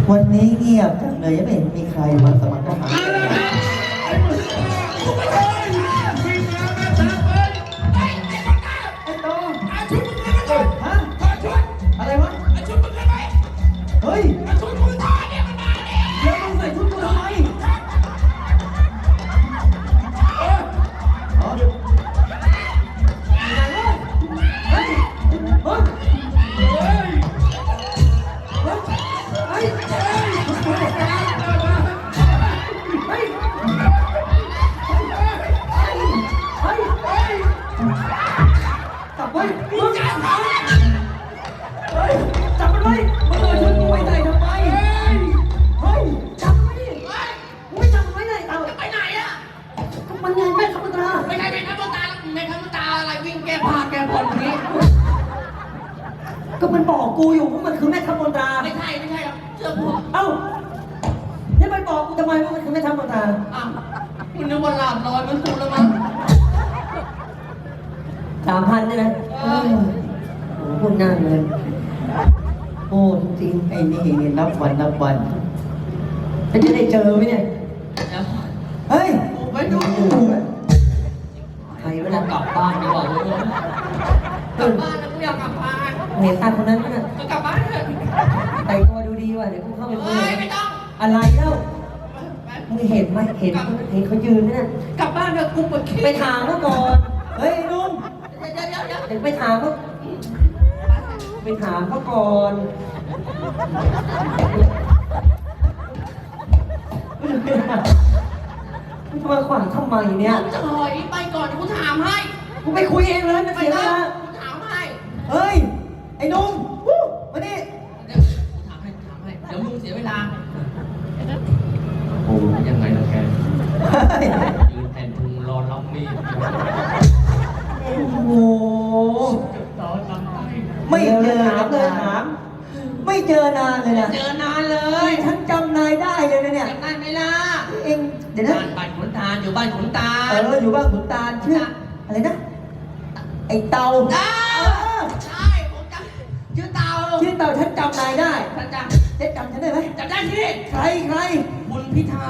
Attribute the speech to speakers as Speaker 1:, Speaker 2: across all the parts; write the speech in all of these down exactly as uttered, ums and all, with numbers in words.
Speaker 1: วันนี้เงียบจังเลยยังไม่เห็นมีใครมาสมัครทหารอะไรวะเฮ้ยแล้วมึงใส่ชุดกูทำไมอ๋อเฮ้ยเฮ้ยเฮ้ยจับไว้มึงจับไว้เฮ้ยจับมันไว้มึงเอาชุดกูไว้ใส่ทำไมเฮ้ยเฮ้ยจับมันไว้ดิมึงไม่จับมันไว้ไหนเอา
Speaker 2: ไปไหนอ่ะ
Speaker 1: มันไงแม่ทัพตา
Speaker 2: ไม่ใช่แม่ทัพตาแม่ทัพตาอะไรวิ่งแก้ผ้าแก้ผ่อนนี้
Speaker 1: ก็มันบอกกูอยู่ว่ามันคือแม่ทัพมนตรา
Speaker 2: ไม่ใช่ไม่ใช่ครับเชื่อผม
Speaker 1: เอ้าแล้วมันบอกกูทำไมว่ามันคือแม่ทัพมนตรา
Speaker 2: อ้าวคุณนึกว่าหลาบลอยมันกูแล้วมั้ง
Speaker 1: สามพันได้ไหมโอ้โหพูดหน้าเงินโอ้จริงๆไอ้นี่เนี่ยนับวันนับวันจะได้เจอไหมเนี่ยเฮ้ย
Speaker 2: ไปดู
Speaker 1: ใครเวลากลับบ้านดีกว่าก
Speaker 2: ลับบ้านแล้วกูอยากกลับบ้าน
Speaker 1: เห็นตาคนนั้นมั้ยน่ะ
Speaker 2: กลับบ้านเถอะ
Speaker 1: แต่งตัวดูดีว่ะเดี๋ยวกูเข้าไปคุย
Speaker 2: ไม่ต้อง
Speaker 1: อะไรเล่ามึงเห็นไหมเห็นเห็นเขายืนไหมน่ะ
Speaker 2: กลับบ้านเถอะกูปวดขี้
Speaker 1: ไปถามเขาก่อนเฮ้ยนุ่ม
Speaker 2: เดี๋ยวเดี๋ยวเดี๋ยว
Speaker 1: เดี๋ยวไปถามเขาไปถามเขาก่อนมึงจะมาขวางทำไมเนี่ย
Speaker 2: จะถอยไปก่อนกูถามให้
Speaker 1: กูไปคุยเองเลยมันเสียเวลา
Speaker 2: กูถามให้
Speaker 1: เฮ้ยไอ้นุ่มมาดิ
Speaker 2: เดี๋ยวกูถามให้ถามให้เดี๋ยวมึงเสียเวลาโอ้ยังไงล่ะแกยืนแทนพุงรอรับมีด
Speaker 1: โอ้โหไม่เจอกับเลยถามไม่เจอนานเลยนะ
Speaker 2: เจอนานเลย
Speaker 1: ฉันจำนายได้เลยนะเนี่ย
Speaker 2: จำได้ไหมล่ะ
Speaker 1: เองเดี๋ยวนะ
Speaker 2: บ้านขุนตาลอยู่บ้านขุนตาล
Speaker 1: เอออยู่บ้านขุนตาลชื่ออะไรนะไอ้เต่า
Speaker 2: ใช่ผมจำชื่อเต่า
Speaker 1: ชื่อเต่าฉันจำนายได้
Speaker 2: ฉันจ
Speaker 1: ำเจ๊จำฉันได้ไหม
Speaker 2: จำได้สิ
Speaker 1: ใครใคร
Speaker 2: คุณพิธา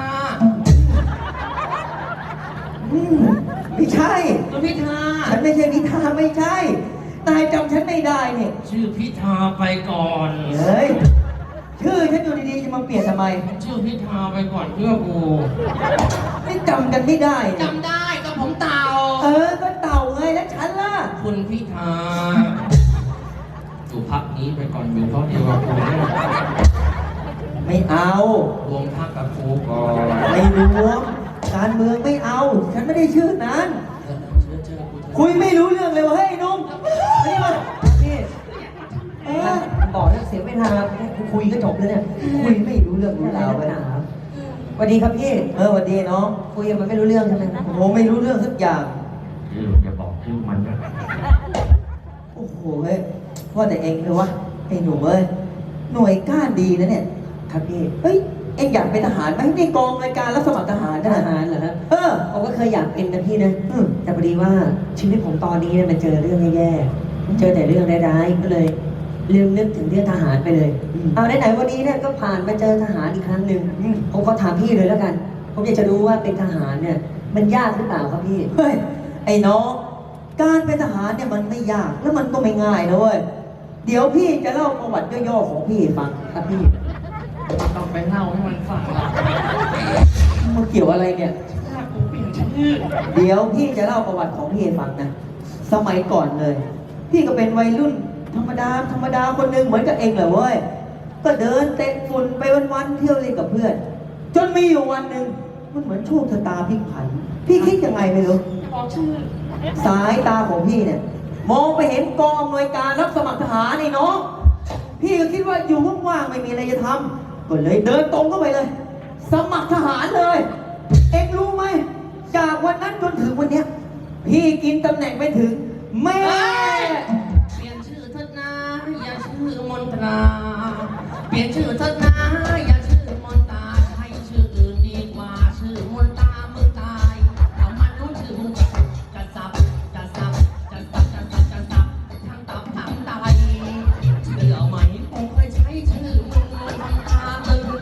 Speaker 1: อืมไม่ใช่
Speaker 2: คุณพิธา
Speaker 1: ฉันไม่ใช่พิธาไม่ใช่นายจำฉันไม่ได้เนี่ย
Speaker 2: ชื่อพิธาไปก่อน
Speaker 1: เฮ้ยชื่อฉันอยู่ดีๆจะมาเปลี่ยนทำไม
Speaker 2: ชื่อพิธาไปก่อนเพื่อกู
Speaker 1: ไม่จำกันไม่ได้
Speaker 2: จำได้ก็ผมเต่า
Speaker 1: เออก็เต่าไงแล้วฉันล่ะ
Speaker 2: คุณพิธาอยู่พักนี้ไปก่อนอยู่เพราะเดียวกับกู
Speaker 1: ไม่เอา
Speaker 2: รวมพักกับกูก่อน
Speaker 1: ไม่รวมการเมืองไม่เอาฉันไม่ได้ชื่อนั้นคุยไม่รู้เรื่องเลยวะเฮ้ยนุ่มนี่มานี่เออบอกแล้วเสียเวลาคุยก็จบแล้วเนี่ยคุยไม่รู้เรื่องรู้ราวไปนะสวัสดีครับพี่เออสวัสดีน้องคุยมันไม่รู้เรื่องใช่ไหมโอ้โหไม่รู้เรื่องสักอย่าง
Speaker 2: ชื่อจะบอกชื่อมันนะ
Speaker 1: โอ้โหเฮ้ยว่าแต่เองเลยวะไอ้หนุ่มเอ้ยหน่วยก้านดีนะเนี่ยครับพี่เฮ้ยเอ็งอยากเป็นทหารไหมในกองรายการรับสมัครทหารทหารเหรอครับเออผมก็เคยอยากเป็นนะพี่นะแต่พอดีว่าชีวิตผมตอนนี้เนี่ยมันเจอเรื่องแย่ๆเจอแต่เรื่องร้ายๆก็เลยลืมนึกถึงเรื่องทหารไปเลยเอาไหนๆวันนี้เนี่ยก็ผ่านมาเจอทหารอีกครั้งหนึ่งผมขอถามพี่เลยแล้วกันผมอยากจะรู้ว่าเป็นทหารเนี่ยมันยากหรือเปล่าครับพี่เฮ้ยไอ้น้องการเป็นทหารเนี่ยมันไม่ยากแล้วมันก็ไม่ง่ายนะเว้ยเดี๋ยวพี่จะเล่าประวัติย่อๆของพี่ฟังครับพี่
Speaker 2: ต้องไปเล่าให้มันฟังละ
Speaker 1: มันเกี่ยวอะไรเนี่ย
Speaker 2: ถ้ากูเปลี่ยนชื่อ
Speaker 1: เดี๋ยวพี่จะเล่าประวัติของพี่ให้ฟังนะสมัยก่อนเลยพี่ก็เป็นวัยรุ่นธรรมดาธรรมดาคนหนึ่งเหมือนกับเองเลยเว้ยก็เดินเตะฝุ่นไปวันๆเที่ยวเล่นกับเพื่อนจนมีอยู่วันหนึ่งมันเหมือนโชคชะตาพลิกผันพี่คิดยังไงไม่รู้
Speaker 2: บอกชื่อ
Speaker 1: สายตาของพี่เนี่ยมองไปเห็นกองอำนวยการรับสมัครทหารนี่น้องพี่ก็คิดว่าอยู่ว่างๆไม่มีอะไรจะทำก็เลยเดินตรงเข้าไปเลยสมัครทหารเลยเอ็งรู้ไหมจากวันนั้นจนถึงวันเนี้ยพี่กินตำแหน่งไปถึงแม่
Speaker 2: เปลี่ยนชื่อเถิดนะอย่าชื่อมนตราเปลี่ยนชื่อเถิดนะอย่าชื่อมนตราให้ชื่ออื่นดีกว่าชื่อมนตรามึงตายเอามันรู้ชื่อมึงจะสับจะสับจะสับจะสับจะสับทั้งตับทั้งไตเดี๋ยวไหมคงเคยใช้ชื่อมึงมนตราตึง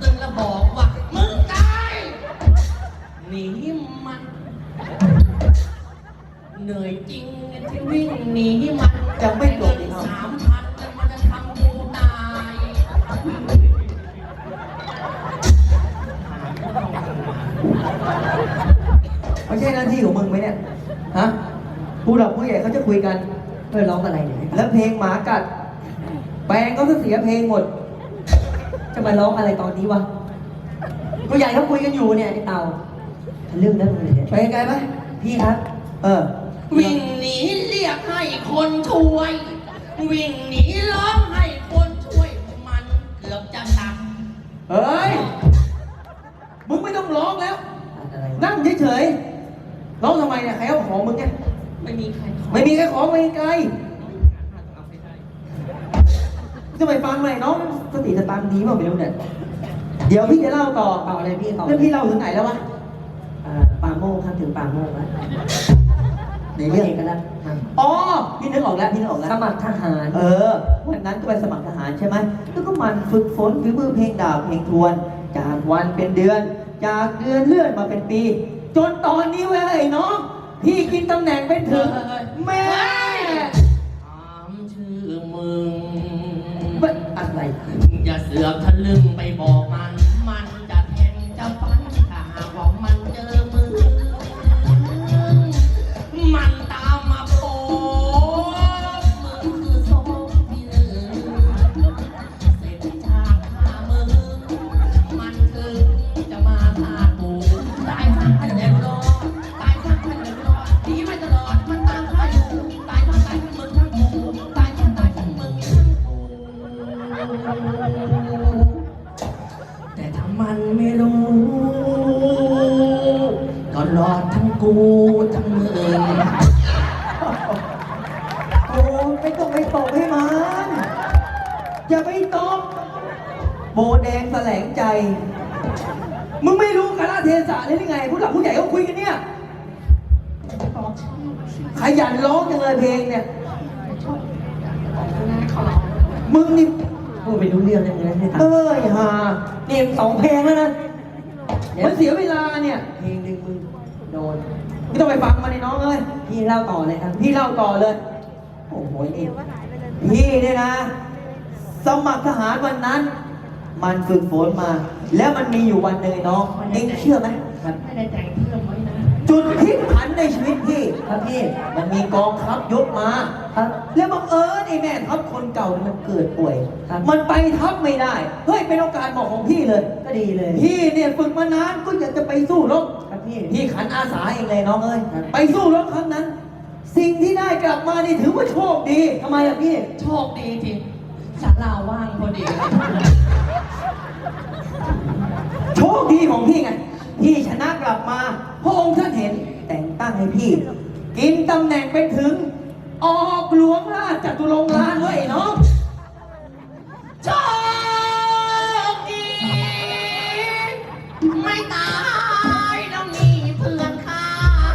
Speaker 1: ผู้หลักผู้ใหญ่เขาจะคุยกัน
Speaker 3: เออร้องอะไรเนี่ย
Speaker 1: แล้วเพลงหมากัด แปลงเขาจะเสียเพลงหมด
Speaker 3: จะมาร้องอะไรตอนนี้วะผู้ใหญ่เขาคุยกันอยู่เนี่ยไอ้เต่าทะลึ่งนะมึงเนี่ย
Speaker 1: เพลงไงไหม
Speaker 3: พี่ครับ
Speaker 1: เออ
Speaker 2: วิ่งหนีเรียกให้คนช่วย วิ่งหนีร้องให้คนช่วย มันเกือบจะตัด
Speaker 1: เฮ้ย มึงไม่ต้องร้องแล้ว
Speaker 3: อะไรวะ
Speaker 1: นั่งเฉยๆร้องทำไมเนี่ยใครเอาของมึงเนี่ย
Speaker 2: ไม่มีใครขอ
Speaker 1: ไม่มีใครของไปไกลจะไปฟังเลยน้องสติสตางค์ดีเปล่าไม่รู้เนี่ย เดี๋ยวพี่จะเล่าต่อ
Speaker 3: ต่ออะไรพี่ต่อ
Speaker 1: เรื่องพี่เล่าถึงไหนแล้ววะ
Speaker 3: อ่าป่าโมกครับถึงป่าโมกแล้ว
Speaker 1: ในเรื่อง
Speaker 3: กันแล้วครับ
Speaker 1: อ๋อ พี่นึกออกแล้ว พี่นึกออกแล้ว
Speaker 3: สมัครทหาร
Speaker 1: เออ วันนั้นก็ไปสมัครทหารใช่ไหม แล้วก็มันฝึกฝนฝีมือเพลงดาบเพลงทวน จากวันเป็นเดือน จากเดือนเลื่อนมาเป็นปี จนตอนนี้เว้ยไอ้น้อง พี่กินตำแหน่งเป็นถึงแม่
Speaker 2: ถามชื่อมึง
Speaker 1: เว้ยอะไร
Speaker 2: อย่าเสือกทะลึ่งไปบอกมัน มันจะแทงจะฟันถ้าหากว่ามันเจอมือ มันตามมาโป๊บมึงคือสองที่หนึ่งเสร็จจากฆ่ามึง มันคือจะมาฆ่ากูตายทั้งพันเดือดร้อนตายทั้งพันเดือดร้อนหนีไม่ตลอด มันตามฆ่าอยู่ตายทั้งตายทั้งมึงทั้งกูตายทั้งตายทั้งมึงทั้งกู แต่ถ้ามันไม่รู้ ก็รอดทั้งกูทั้งมึง
Speaker 1: โอ้ไม่ต้องไปตบให้มัน อย่าไปตบโบแดงแสลงใจ มึงไม่รู้กาลเทศะเลยหรือไง ผู้หลักผู้ใหญ่เขาคุยกันเนี่ย ขยันร้องจังเลยเพลงเนี่ย มึงนี่
Speaker 3: พูดไปรู้เรื่องเลยมึงนะไอ้
Speaker 1: เอ
Speaker 3: เต่า
Speaker 1: ้ยฮา
Speaker 3: นี่สองเพลงแล้วนะเดี๋ยว
Speaker 1: มันเสียเวลาเนี่ย
Speaker 3: เพลงหนึ่งมึงโดน
Speaker 1: ไม่ต้องไปฟังมันเลยน้องเอ้ย
Speaker 3: พี่เล่าต่อเลยครับ
Speaker 1: พี่เล่าต่อเลย โอ้โหนี่พี่เนี่ยนะ สมัครทหารวันนั้น มันฝึกฝนมา แล้วมันมีอยู่วันหนึ่งไอ้น้อง เอ็งเชื่อไหม
Speaker 3: ครับ
Speaker 2: ไม่ได้แต่งเพิ่มไว้นะ
Speaker 1: จุดพลิกผันในชีวิตพี่
Speaker 3: ครับพี่
Speaker 1: มันมีกองทัพยกมา
Speaker 3: ครับ
Speaker 1: แล้วบังเอิญไอ้แม่ทัพคนเก่าเนี่ยมันเกิดป่วย
Speaker 3: ครับ
Speaker 1: มันไปทัพไม่ได้ เฮ้ยเป็นโอกาสเหมาะของพี่เลย
Speaker 3: ก็ดีเลย
Speaker 1: พี่เนี่ยฝึกมานานก็อยากจะไปสู้รบ
Speaker 3: ครับพี่
Speaker 1: พี่ขันอาสาเองเลยน้องเอ้ย
Speaker 3: ครับ
Speaker 1: ไปสู้รบครั้งนั้น สิ่งที่ได้กลับมานี่ถือว่าโชคดี
Speaker 3: ทำไมล่ะพี่
Speaker 2: โชคดีจริงศาลาว่างพอดี
Speaker 1: โชคดีของพี่ไง พี่ชนะกลับมา พระองค์ท่านเห็นแต่งตั้งให้พี่ กินตำแหน่งเป็นถึง ออกหลวงราชจตุรงค์ลานเว้ยน้อง
Speaker 2: โชคดีไม่ตายแล้วมีเพื่อนข้า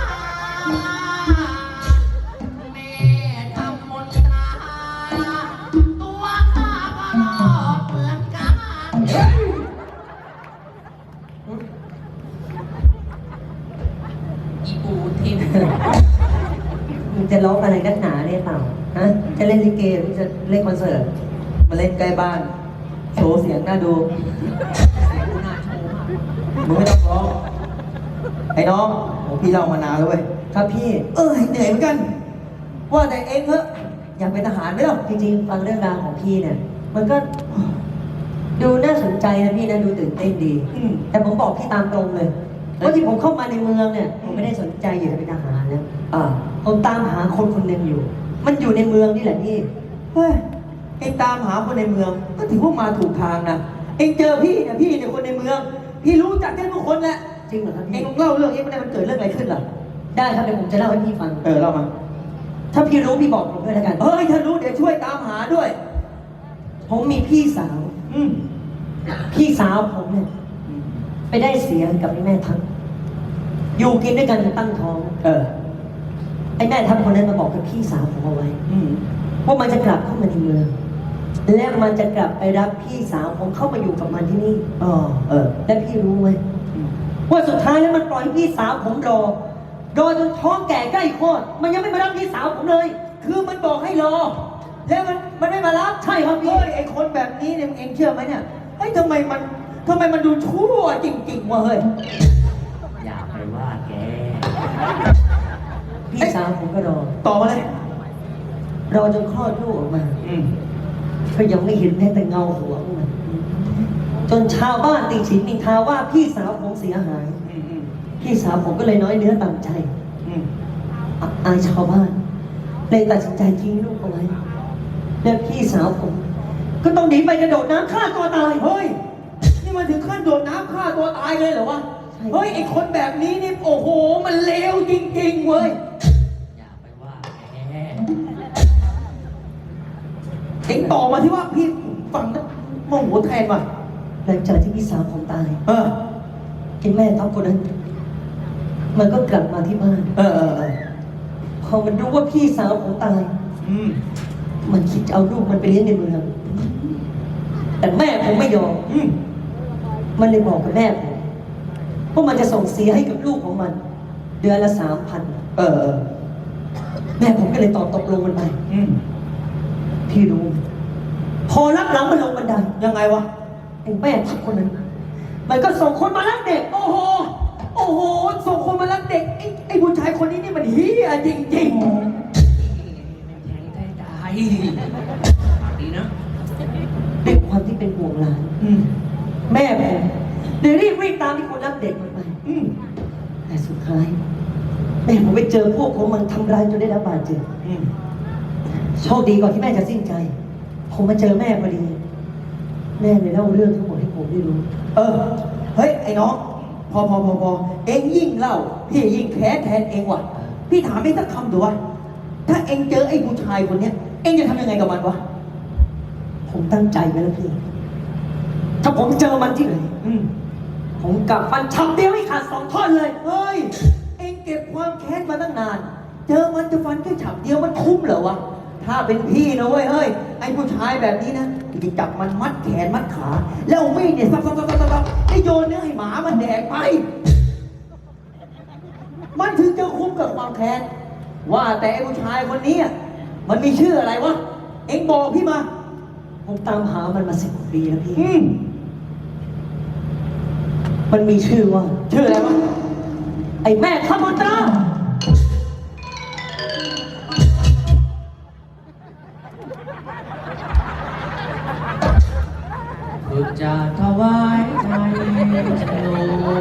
Speaker 2: แม่ทำมนตราตัวข้าก็รอดเหมือนกันอีปูทิม
Speaker 3: มึงจะร้องอะไรนักหนาเนี่ยเปล่าฮะ จะเล่นลิเกหรือจะเล่นคอนเสิร์ต
Speaker 1: มาเล่นใกล้บ้าน โชว์เสียงน่าดู
Speaker 2: น่าโชว์มาก
Speaker 1: มึงไม่ต้องร้อง ไอ้น้องโอ้พี่เล่ามานานแล้วเว้ย
Speaker 3: ครับพี่
Speaker 1: เออเหนื่อยเหมือนกัน ว่าแต่เองเถอะอยากเป็นทหารไหมล่ะ
Speaker 3: จริงๆฟังเรื่องราวของพี่เนี่ย มันก็ ดูน่าสนใจนะพี่นะดูตื่นเต้นดี
Speaker 1: อืม
Speaker 3: แต่ผมบอกพี่ตามตรงเลยว่าที่ผมเข้ามาในเมืองเนี่ย ผมไม่ได้สนใจอยากจะเป็นทหารนะ
Speaker 1: อ่า
Speaker 3: ผมตามหาคนคนหนึ่งอยู่ มันอยู่ในเมืองนี่แหละพี่
Speaker 1: เฮ้ยเองตามหาคนในเมือง ก็ถือว่ามาถูกทางนะ เองเจอพี่เนี่ยพี่เนี่ยคนในเมือง พี่รู้จักกันทุกคนแหละ
Speaker 3: จริงเหรอครับ
Speaker 1: เอง
Speaker 3: พี่
Speaker 1: ลองเล่าเรื่องนี้ไม่ได้มันเกิดเรื่องอะไรขึ้นเหรอ
Speaker 3: ได้ครับเดี๋ยวผมจะเล่าให้พี่ฟัง
Speaker 1: เออเล่ามา
Speaker 3: ถ้าพี่รู้พี่บอกผมด้วยแล้วกัน
Speaker 1: เฮ้ยถ้ารู้เดี๋ยวช่วยตามหาด้วย
Speaker 3: ผมมีพี่สาว
Speaker 1: อืม
Speaker 3: พี่สาวผมเนี่ย ไปได้เสียกับไอ้แม่ทัพอยู่กินด้วยกันจนตั้งท้อง
Speaker 1: เออ
Speaker 3: ไอ้แม่ทัพคนนั้นมาบอกกับพี่สาวผมเอาไว้
Speaker 1: อืม
Speaker 3: ว่ามันจะกลับเข้ามาในเมือง และมันจะกลับไปรับพี่สาวผมเข้ามาอยู่กับมันที่นี่
Speaker 1: อ๋อเออ
Speaker 3: และพี่รู้ไหมว่าสุดท้ายแล้วมันปล่อยให้พี่สาวผมรอ รอจนท้องแก่ใกล้คลอด มันยังไม่มารับพี่สาวผมเลย
Speaker 1: คือมันบอกให้รอ แล้วมันมันไม่มารับ
Speaker 3: ใช่ครับพี่
Speaker 1: เฮ้ยไอคนแบบนี้เนี่ยเองเชื่อไหมเนี่ยเฮ้ยทำไมมันทำไมมันดูชั่วจริงๆวะเฮ้ย
Speaker 2: อย่าไปว่าแก
Speaker 1: พ
Speaker 3: พี่สาวผมก็รอ
Speaker 1: ต่อมาเลย
Speaker 3: รอจนคลอดลูกออกมา
Speaker 1: อืม
Speaker 3: ก็ยังไม่เห็นแม้แต่เงาหัวของมันจนชาวบ้านติฉินนินทาว่าพี่สาวผมเสียหาย
Speaker 1: อืมอืม
Speaker 3: พี่สาวผมก็เลยน้อยเนื้อต่ำใจ
Speaker 1: อืม
Speaker 3: อับอายชาวบ้านเลยตัดสินใจทิ้งลูกเอาไว้และพี่สาวผม ก็ต้องหนีไปกระโดดน้ำฆ่าตัวตาย
Speaker 1: เฮ้ย นี่มันถึงขั้นโดดน้ำฆ่าตัวตายเลยเหรอวะ
Speaker 3: ใช่
Speaker 1: เฮ้ย ไอคนแบบนี้นี่ โอ้โห มันเลวจริงๆเว้ย
Speaker 2: อย่าไปว่าแหม
Speaker 1: เอ็งต่อมาที่ว่าพี่ฟังนะโมโหแทนว่ะ
Speaker 3: หลังจากที่พี่สาวผมตาย
Speaker 1: เออ
Speaker 3: ไอ้แม่ทัพคนนั้น มันก็กลับมาที่บ้าน
Speaker 1: เออเออเออ
Speaker 3: พอมันรู้ว่าพี่สาวผมตาย
Speaker 1: อืม
Speaker 3: มันคิดจะเอาลูกมันไปเลี้ยงในเมือง แต่แม่ผมไม่ยอม
Speaker 1: อืม
Speaker 3: มันเลยบอกกับแม่ผมว่ามันจะส่งเสียให้กับลูกของมัน เดือนละสามพัน
Speaker 1: เออเออ
Speaker 3: แม่ผมก็เลยตอบตกลงมันไป
Speaker 1: อืม
Speaker 3: พี่รู้ พอรับหลังมันลงบันได
Speaker 1: ยังไงวะ
Speaker 3: ไอ้แม่ทัพคนนั้น มันก็ส่งคนมาลักเด็ก
Speaker 1: โอ้โห โอ้โห ส่งคนมารักเด็ก ไอ้ไอ้ผู้ชายคนนี้นี่มันเฮียจริง
Speaker 2: แทงได้ตายดีนะ
Speaker 3: ด้วยความที่เป็นห่วงหลาน
Speaker 1: ๆ อืม
Speaker 3: แม่ผมเลยรีบวิ่งตามที่คนรักเด็กมันไป
Speaker 1: อืม
Speaker 3: แต่สุดท้าย แม่ผมไปเจอพวกของมันทำร้ายจนได้รับบาดเจ็บ
Speaker 1: อืม
Speaker 3: โชคดีก่อนที่แม่จะสิ้นใจ ผมมาเจอแม่พอดี แม่เลยเล่าเรื่องทั้งหมดให้ผมได้รู้
Speaker 1: เออ เฮ้ย ไอ้น้อง พอพอพอพอเอ็งยิ่งเล่า พี่ยิ่งแค้นแทนเอ็งว่ะ พี่ถามเอ็งสักคำดูวะ ถ้าเอ็งเจอไอ้ผู้ชายคนเนี้ย เอ็งจะทำยังไงกับมันวะ
Speaker 3: ผมตั้งใจไว้แล้วพี่ ถ้าผมเจอมันที่ไหน
Speaker 1: อืม
Speaker 3: ผมกลับฟันชับเดียวให้ขาดสองท่อนเลย
Speaker 1: เฮ้ย เอ็งเก็บความแค้นมาตั้งนาน เจอมันจะฟันแค่ฉับเดียวมันคุ้มเหรอวะ ถ้าเป็นพี่นะเว้ย เฮ้ย ไอ้ผู้ชายแบบนี้นะจะจับมันมัดแขนมัดขา แล้วเอามีดเนี่ยซับซับซับซับซับให้โยนเนื้อให้หมามันแดกไป มันถึงจะคุ้มกับความแค้น ว่าแต่ไอ้ผู้ชายคนนี้อะมันมีชื่ออะไรวะ เอ็งบอกพี่มา
Speaker 3: ผมตามหามันมาสิบปีแล้วพี่
Speaker 1: อืม
Speaker 3: มันมีชื่อว่า
Speaker 1: ชื่ออะไรวะ
Speaker 3: ไอ้แม่ทัพมนตรา
Speaker 2: ฝึกจะถวายไทยสโล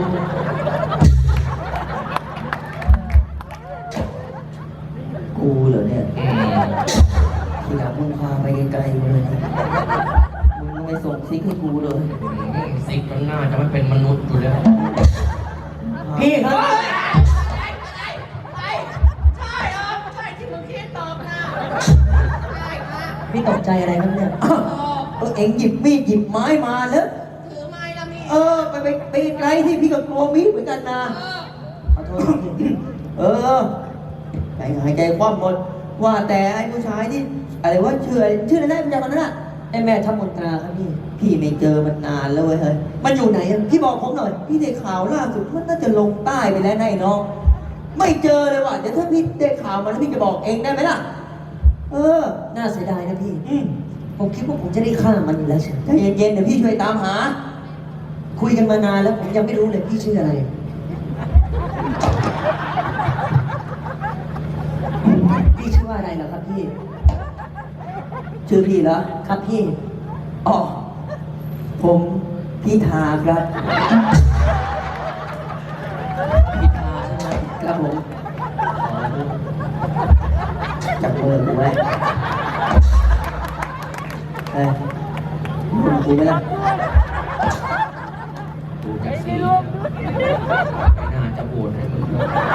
Speaker 1: กูเหรอเนี่ย ทีหลังมึงพาไปไกลๆเลยนะมึงไม่ส่งซิกให้กูเลย
Speaker 2: สิกมันน่าจะไม่เป็นมนุษย์อยู่แล้ว
Speaker 3: พี่ครับ
Speaker 2: ใช่เออใช่ที่มึงคิดตอบนะใช่ค่ะ
Speaker 3: พี่ตกใจอะไรครับเนี่ย
Speaker 1: อ้าวเออเอ็งหยิบมีดหยิบไม้มาแล้ว
Speaker 2: ถือไม้ละมี
Speaker 1: เออ ไปไปไปไกลที่พี่กับกลัวมีดเหมือนกันนะ
Speaker 3: ขอโทษครับพี่
Speaker 1: เออใจหายใจคว่ำหมด ว่าแต่ไอ้ผู้ชายที่อะไรว่าชื่ออะไรชื่ออะไรได้มันจากตอนนั้นอ่ะ
Speaker 3: ไอ้แม่ทัพมนตราครับพี่
Speaker 1: พี่ไม่เจอมันนานแล้วเว้ยเฮ้ย
Speaker 3: มันอยู่ไหนอะพี่บอกผมหน่อย
Speaker 1: พี่ได้ข่าวล่าสุดมันน่าจะลงใต้ไปแล้วนายน้อง ไม่เจอเลยว่ะ เดี๋ยวถ้าพี่ได้ข่าวมาแล้วพี่จะบอกเองได้ไหมล่ะ เออ
Speaker 3: น่าเสียดายนะพี่
Speaker 1: อืม
Speaker 3: ผมคิดว่าผมจะได้ฆ่ามันอยู่แล้วเชียว
Speaker 1: ใจเย็นๆเดี๋ยวพี่ช่วยตามหา
Speaker 3: คุยกันมานานแล้วผมยังไม่รู้เลยพี่ชื่ออะไร พี่ชื่อว่าอะไรเหรอครับพี่
Speaker 1: ชื่อพี่เหรอ
Speaker 3: ครับพี่
Speaker 1: อ๋อ ผมพี่ทาครับ
Speaker 2: พิธาใช่ไหม
Speaker 1: ครับผมจับมือกูไว้เฮ้ยมึงกูไหมล่ะ
Speaker 2: ดูจากสีแล้วไม่น่าจะโหวตให้มึง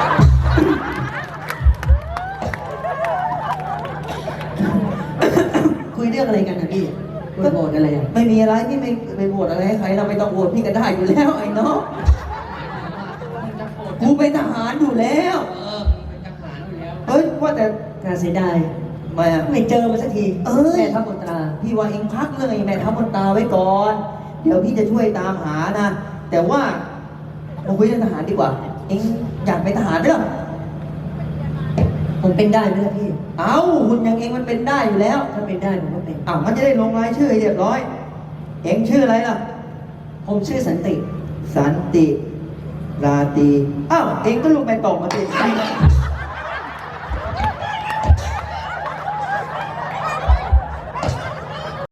Speaker 3: คุยเรื่องอะไรกันนะพี่คุยโบนอะไรอ่ะ
Speaker 1: ไม่มีอะไรพี่ไม่ไปโหวตอะไรให้ใครเราไม่ต้องโหวตพี่ก็ได้อยู่แล้วไอ้น้อง
Speaker 2: มึงจะโหวต
Speaker 1: กูเป็นทหารอยู่แล้ว
Speaker 2: เออมึงเป็นทหารอยู่แล้ว
Speaker 1: เฮ้ยว่าแต่
Speaker 3: น่าเสียดาย
Speaker 1: มาอะ
Speaker 3: ไม่เจอมันสักที
Speaker 1: เอ้ย
Speaker 3: แม่ทัพมนตรา
Speaker 1: พี่ว่าเองพักเรื่องไอ้แม่ทัพมนตราไว้ก่อน เดี๋ยวพี่จะช่วยตามหานะ แต่ว่ามาคุยเรื่องทหารดีกว่า เองอยากเป็นทหารเรื่อง
Speaker 3: ผมเป็นได้ไหมล่ะพี่
Speaker 1: เอ้าหุ่นอย่างเองมันเป็นได้อยู่แล้ว
Speaker 3: ถ้าเป็นได้ผมก็เป็น
Speaker 1: อ้าวมันจะได้ลงรายชื่อให้เรียบร้อย เองชื่ออะไรล่ะ
Speaker 3: ผมชื่อสันติ
Speaker 1: สันติ ราตรีอ้าว เองก็ลูกแม่ตองมาสิ